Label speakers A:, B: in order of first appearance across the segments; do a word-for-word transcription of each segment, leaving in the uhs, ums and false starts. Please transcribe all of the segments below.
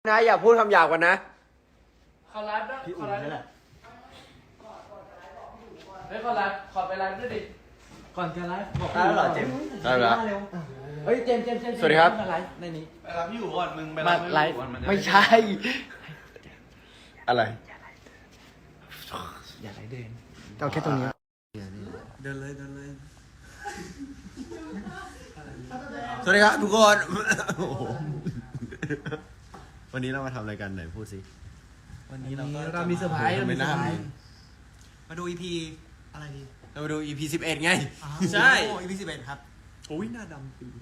A: นะอย่าพูดคำหยาบกันนะ
B: ขอไลฟ์ด้วยขอไลฟ์ด้วยเฮ้ยขอไลฟ์ขอไปไลฟ์ด้วยดิก่อนจะไลฟ์บอกได้แล้วเหรอเจมส์
A: ได้แล้ว
B: เฮ้ยเจมส์เจมส์เจมส์
A: สวัสดีครับ
B: ไลฟ์ในนี้
C: ไปรับพี่อยู่ก่อนมึงไป
B: มา
C: รับ
B: ไลฟ์
A: ไม่ใช่ อะไรอย่าไหลเดินเอาแค่ตรงนี้
C: เดินเลยเดินเลย
A: สวัสดีครับทุกคนวันนี้เรามาทำอะไรกันไหนพูดสิ
B: วันนี้เราเรามีเซอร์ไพรส์เรามีเซอร์ไพรส์
C: มาดู อี พี อะไรดี
A: เรามาดู อี พี สิบเอ็ดไง
C: ใช่ อี พี สิบเอ็ดครับ
A: โอ้ยหน้าดำปี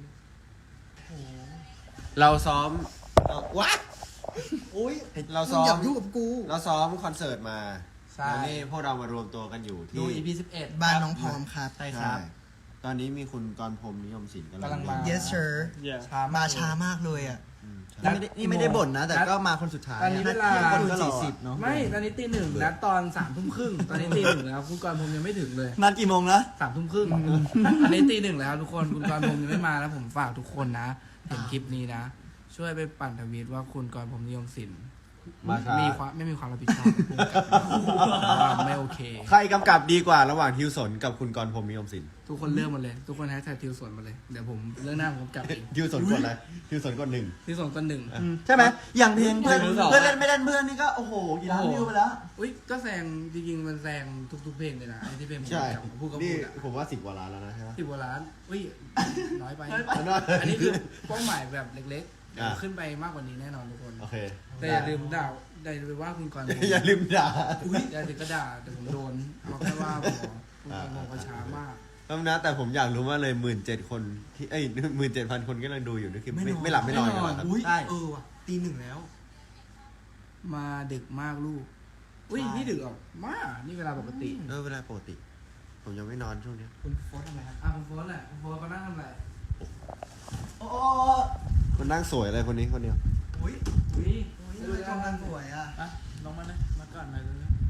A: เราซ้อมวัด
C: โอ้ย
A: เราซ้อม
C: อย่ายุ่งกับกู
A: เราซ้อมคอนเสิร์ตมา
B: ใช่
A: แล้วนี่พวกเรามารวมตัวกันอยู่ที่
B: ดู อี พี สิบเอ็ด
C: บ้านน้องพร้อมครับ
B: ใช่ครับ
A: ตอนนี้มีคุณกรพรมนิยมศิลป์กำ
B: กำลังมา
C: yes sir มาช้ามากเลยอ่ะ
B: นัด
C: นี่ไม่ได้บ่นนะ แต่ก็มาคนสุดท้าย
B: ตอนนี้เวลา
C: คนสี่สิบเนาะ
B: ไม่ตอนนี้ตีหนึ่งนัดตอนสามทุ่มครึ่งตอนนี้ตีหนึ่งแล้วคุณกรพรมยังไม่ถึงเลย
C: นัดกี่โมงนะ
B: สามทุ่มครึ่งอันนี้ตีหนึ่งแล้วทุกคนคุณกรพรมยังไม่มาแล้วผมฝากทุกคนนะเห็นคลิปนี้นะ ช่วยไปปั่นทวีตว่าคุณกรพรมนิยมศิลป์
A: มาครับ
B: มีความไม่มีความรับผิดชอบว่าไม่โอเค
A: ใครกำกับดีกว่าระหว่างทิวสนกับคุณกรพรมนิยมศิลป์
B: ทุกคนเลือกหมาเลย ทุกคนแฮชแท็กทิวสวนมาเลย เดี๋ยวผมเลือกหน้าผมกลับเอง
A: ทิวสนกดอะไรทิวสนกดหนึ่ง
B: ทิวสวนคนหนึ่ง
C: ใช่ไหมอย่างเพลงเพื่อน
B: หรือสอง
C: เพื่อนเล่นไม่เล่นเพื่อนนี่ก็โอ้โหกี่ล้านวิวไปแล้ว
B: อุ้ยก็แซงจริงๆมันแซงทุกๆเพลงเลยนะไอ้ที่เพลงผม
A: ใช่
B: กับพูดก็
A: นี่
B: พูดอะ
A: ผมว่าสิบกว่าล้านแล้วนะใช่ไหม
B: สิบกว่าล้านอุ้ยน้อยไป
C: น้อยไป
B: อันนี้คือเป้าหมายแบบเล็กๆเดี๋ยว
A: อ่ะ
B: ขึ้นไปมากกว่านี้แน่นอนทุกคน
A: โอเค
B: แต่อย่าลืมด่าอย่าลืมว่าคุณกรณ์
A: อย่าลืมด่า
B: อุ้ยอย่าถึงก็ด่าแต่ผมโดนเอาแค่ว่าพอคุณกรณ์ผมก็ช้ามาก
A: แล้วนะแต่ผมอยากรู้ว่าเลยหมื่นเจ็ดคนที่เอ้ยหมื่นเจ็ดพันคนก็กำลังดูอยู่นี่คือไม่ไม่หลับไม่นอนกันเหรอครับ
C: อุ้ย
B: ใช่
C: เออว่ะตีหนึ่งแล้ว
B: มาดึกมากลูกอุ้ยนี่ดึกออกมานี่เวลาปกติ
A: เออเวลาปกติ ผมยังไม่นอนช่วงนี้
B: คุณโฟนทำอะไรครับอ่ะคุณโฟนแหละคุณโฟนเขานั่งทำอะไร
C: โอ้
A: คนนั่งสวยอะไรคนนี้คนเดียว
C: อุ้ย
B: อุ้ย
C: อุ้ยทำไมกำลังสวยอ่ะ
B: อ่ะลงมาเลยมาก่อนมาเลย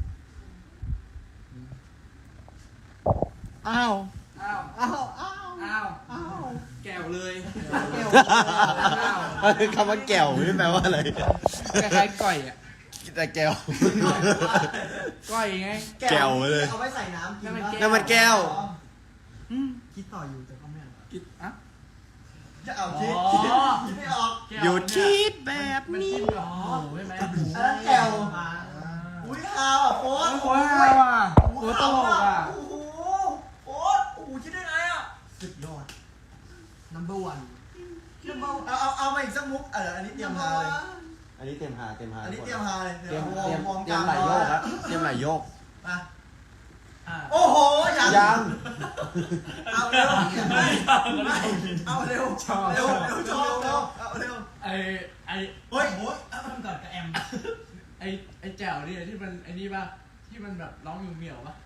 C: อ้าว
B: อ้าว
C: อ้าวอ้าว
B: อ้าว
C: อ้าว
B: แก้วเลย
C: แก้ว
B: อ้าว
A: คำว่าแก้วนี่แปลว่าอะไร
B: คล้ายๆก่อยอ่ะ
A: แต่แก้ว
B: ก้อยไง
A: แก้วเลย
C: เอาไว้ใส่น้ำกิน
A: น้ำมันแก้ว
B: อืม
C: คิดต่ออยู่แต่ก็ไม่เอา
B: กินอ่ะ
C: จะเอาคิด
B: อ๋อ
C: คิดไม่ออก
A: หยุดคิดแบบ
B: มัน
A: นี้
B: กินกับหมูใช่ไหมหมู
C: อันนั้นแก้วอุ้ยฮาวอ่ะโค้ด
B: โอ้ยว่ะโอ้ตลกอ่ะ
C: โอ้โหโค้ดโอ้โหคิดได้ไงอ่ะสุดยอด number one number เอาเอาเอามาอีกสักมุกเอออันนี้เตรียมฮาเลย
A: อันนี้เต็มหาเต็มหา
C: อันนี้เตรียมฮาเลย
A: เตรียม
C: ว
A: เตรียม
C: มอง
A: เตรียมไหลโยกครับเตรียมไหลโยก
C: อ่ะ
B: อ่ะ
C: โอ้โหยัง
A: ยัง
C: เอาเร็วไม่ไม่เอาเร็วเร็วเร็วชอบเร็วเอาเร็ว
B: ไอไอ
C: เฮ้ยโอ้ยเอาทำก่อนกับแอม
B: ไอไอแจ๋วนี่ที่มันไอนี่ป่ะที่มันแบบร้องอยู่เหมียวป่ะ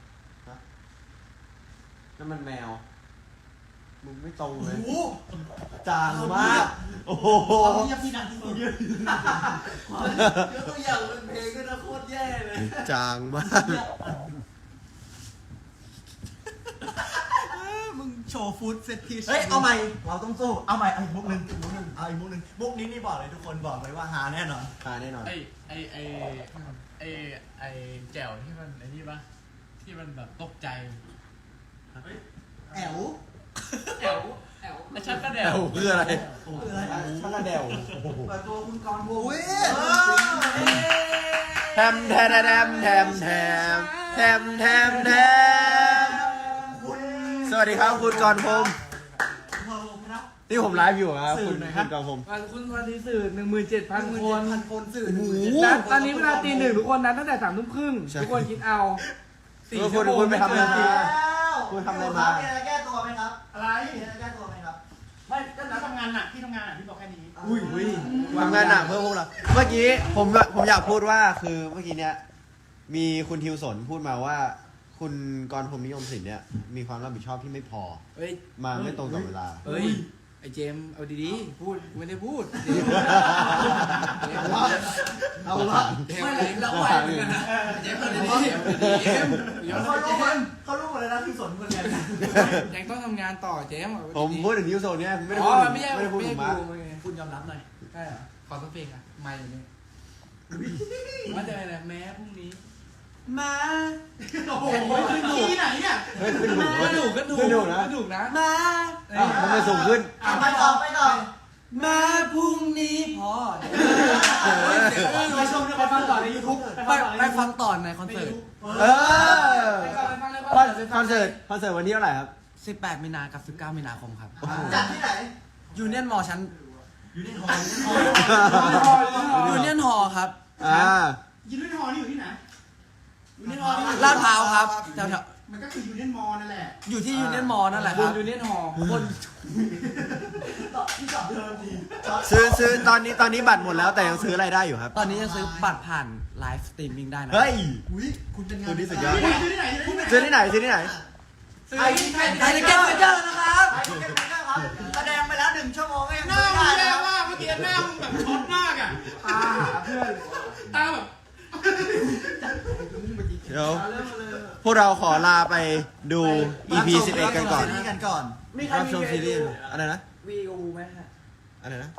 A: นั่นมันแมว มึงไม่ตรงเลย
C: โอ้
A: จางมาก โอ้โห
C: ความเงียบที่ดังที่สุดเยอะตัวอย่างเป็นเพลงก็นะโคตรแย่เลย
A: จางมาก
C: มึงโชว์ฟู้ดเซตพีเฮ้ยเอาใหม่เราต้องสู้เอาใหม่เอาอีกมุกหนึ่งมุกหนึ่งเอาอีกมุกหนึ่งมุกนี้นี่บอกเลยทุกคนบอกเลยว่าหาแน่นอน
A: ตายแน่นอน
B: ไอไอไอไอไอแจ๋วที่มันไอนี่ป่ะที่มันแบบตกใจ
C: แอว
B: แอวแอวแล้วฉันก็แด
A: แด
B: ว
A: วคืออะไร
C: คืออะไร
A: ชักกระเดว
C: เปิดตัวคุณกรณ์ภูมิ
A: แทมแทมแทมแทมแทมแทมแทมแทมสวัสดีครับคุณกรพรมนี่ผมไลฟ์อยู่ครับคุณคุณกรพรม
B: วันคุณวันที่สื่อหนึ่งหมื่นเจ็ดพันคน
C: พันคนสื่อ
B: นัดตอนนี้เวลาตีหนึ่งทุกคนนัดตั้งแต่สามทุ่มครึ่งทุกคนคิดเอาสี่ชั่วโมง
A: คุณไปทำอะไรมา
C: คุ
A: คุณ ณ
C: ทำ
A: ทำ
C: อะ
A: อะไร ไร
C: มา
A: มา
C: มีอะไรแก้ตัวไหมครับ อะไรมีอะไรแก้ตัวไหมครับ
D: ไม่ก็นัดทำงานหนักที่ทำงานหนักที่บอกแค่นี้
C: อุ้ยอุ้ย
A: ทำงานหนักเพื่อพวกเรา เมื่อกี้ผมผมอยากพูดว่าคือเมื่อกี้เนี้ยมีคุณทิวสนพูดมาว่า คุณกรพรมนิยมศิลป์เนี่ยมีความรับผิดชอบที่ไม่พอ
B: เฮ้ย
A: มาไม่ตรงต่อเวลา
B: เฮ้ยไอเจมเอาดีๆพูดไม่ได้พูด
C: เอาละ
B: ไม่เลยเราไหวเหมือนกันนะเจมเอาดีๆเจมเดี๋ยว
C: เขา
B: เจ
C: รู้หมด
B: ม
C: เขารู้หมดเลยนะที่สนคนกัน
B: ยังต้องทำงานต่อเจม
A: ผมพูดถึงทิวสนเนี่ยไม่ได้
B: อ๋
A: พู
B: อ
A: ดถึง
B: ไม่ใช่
A: ไม่ได้พูด
B: ไม่
A: ถึ
B: ใช่
A: งมาร์ค
B: กูคุณยอมรับหน่อยใช่เหรอขอสักเพลงอ่ะไม่เลยว่าจะอะไรแม้พรุ่งนี้
C: มา
D: โอ้โหที่ไหนเนี่ย
A: เฮ้ยขึ้นหนู
B: ก็ถูกก็ถูก
A: ขึ้นหนูนะ
B: ก็ถูกนะ
C: มา
A: อ่ะมันไม่สูงขึ้น
C: อ่ะไปต่อไปต่อมาพรุ่งนี้พอ
D: ไปชมไปฟังต่อในยูทูบ
B: ไปไปฟังต่อในคอนเสิร์ต
A: เออ
B: ไปฟังไปฟังเลย
A: คอนคอนเสิร์ตคอนเสิร์ตวันที่เท่าไหร่ครับ
B: สิบแปดมีนากับสิบเก้ามีนาคมครับ
C: จัดที่ไหน
B: ยูเนียนมอชั้น
C: อยู่ในหอ
B: ยูเนียนฮอครับ
A: อ่า
D: ยูเนียนฮอลนี่อยู่ที่ไหนยูเนียนฮอลนี่
B: ลาดพร้าวครับแถว
D: มันก็คือยูเนียนมอลนั่นแหละ
B: ๆอยู่ที่ยูเนียนมอนั่นแหละครับยูเนียนฮอบน
C: ที่จอดเดิมดี
A: ซื้อซื้อตอนนี้ตอนนี้บัตรหมดแล้วแต่ยังซื้ออะไรได้อยู่ครับ
B: ตอนนี้ยังซื้อบัตรผ่านไลฟ์สตรีมมิ่งได้นะ
A: เฮ้ย
C: อุ้ยคุณเป็นงาน
A: คุณนี่สุดยอด
D: ซื้อที่ไหนซื้อที่ไหน
A: ซื้อที่ไหนซื้อที่ไหน
C: ไอ้
B: ไทยทิเก็ตเมเจอร์นะครับ
C: ไอ้เก็บไปแล้วครับแสดงไปแล้วหนึ่งชั่วโมงก็ยัง
D: หน้า
C: ไม่
D: มึง
C: ได้
D: แย่
C: นะ
D: มากเมื่อกี้หน้ามึงแบบช็อตมากอ่ะตาเพื่อนตาแบบ
A: เดี๋ยวพวกเราขอลาไปดู อี พี สิบเอ็ดกันก่อน
C: นี่กันก่อน
A: รับชมซีรีส์อะไรนะ
B: วีอูไหมฮะ
A: อะไรนะ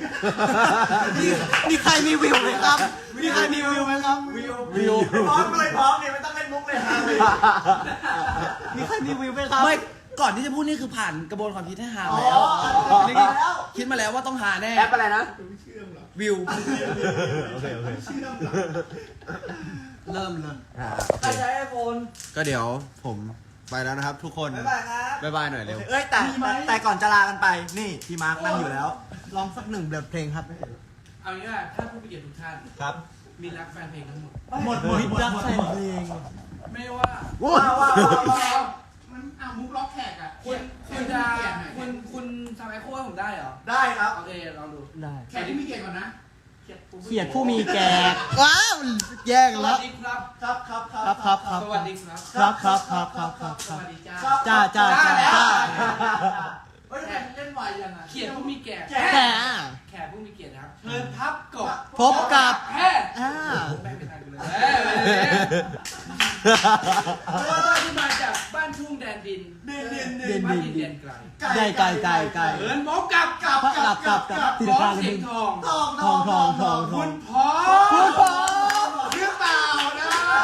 C: มีใครมีวิวไหมครับ มีใครมีวิวไหมครับ วิว
A: วิว
C: พร้อมเลยพร้อมเนี่ยไม่ต้องเล่นมุกเลยครับมีใครมีวิวไหมครับ
B: ไม่ก่อนที่จะพูดนี่คือผ่านกระบวนความคิดให้หา
C: อ๋อ
B: แล้ว
C: นี่กินแล้ว
B: คิดมาแล้วว่าต้องหาแน่
A: แอปอะไรนะ
B: วิว
A: โอเค โอเค
C: เริ่มเลย
B: ใครใช้ไอโฟน
A: ก็เดี๋ยวผมไปแล้วนะครับทุกคน
C: บ๊ายบายครับ
A: บ๊ายบายหน่อยเร็ว
C: เอ้ยแต่แต่แต่ก่อนจะลากันไป นี่พี่มาร์คนั่งอยู่แล้ว ลองสักหนึ่งบทเพลงครับ
B: เอางี้ว่าถ้าผู้มีเกียรติทุกท่าน
A: ครับ
B: มีรักแฟนเพลงทั้งหมด
C: หมดหมดหมดรักแฟนเพลง
B: ไม่ว่า
A: ว้า
C: ว้าว วว้าวว้าว
D: มันอ่ะมุกล็อกแขกอ่ะ
B: คุณคุณจะคุณคุณทำไอโค้ให้ผมได้เหรอ
C: ได้ครับ
B: โอเคลองดู
C: ได้
D: แขกที่มีเกียรติก่อนนะ
C: เขียดผู้มีแก่ว้าวแย่ง
B: ส
C: แล้
B: วั
C: ว
B: สดีครับ
C: ครับครับครับครับครับ
B: สวัสดีครับ
C: ครับครับครับครับครับ
B: สวัสดีจ้า
C: จ้าจ้าจ้าจ้า
B: เฮ้ยเล่นไวยังอ่ะเขียนผู้มีแก่
C: แก่
B: แขกผู้มีเกียรตินะครับเชิญพับกบ
C: พบกับ
B: แพทย์
C: อ่า
B: แม่งไม่ทันกันเลยเอ้ยไปเลยเราที่มาจากบ้านทุ่งแดนดิน
C: เด่นเด่น
B: เด่นบ้านดินแดนไกล
C: ไก่ไก่ไก่ไก่
B: เอิญพบกับ
C: กับกับกับกับ
B: บอสเสียงทอง
C: ทองทองทองทองทอ
B: คุ
C: ง
B: ณพ่อ
C: คุณพ่อ
D: หรือเปล่านะ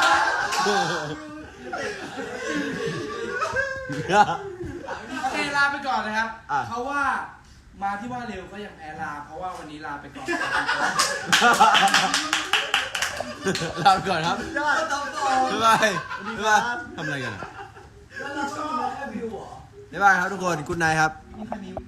B: โอเคลาไปก่อนนะครับ
A: อ่ะ
B: เพราะว่ามาที่ว่าเร็วก็ยังแพ้ลา เพราะว่าวันนี้ลาไปก่อน
A: ลาไปก่อนครับ
C: ยอดต้องต่อ
A: บ๊ายบายบ๊ายบายทำอะไรกันอะ
C: แล้วเราต้องมีแค่วิวเหรอ
A: บ๊ายบายครับทุกคน กุ๊ดไนท์ครับ
C: มีใครมี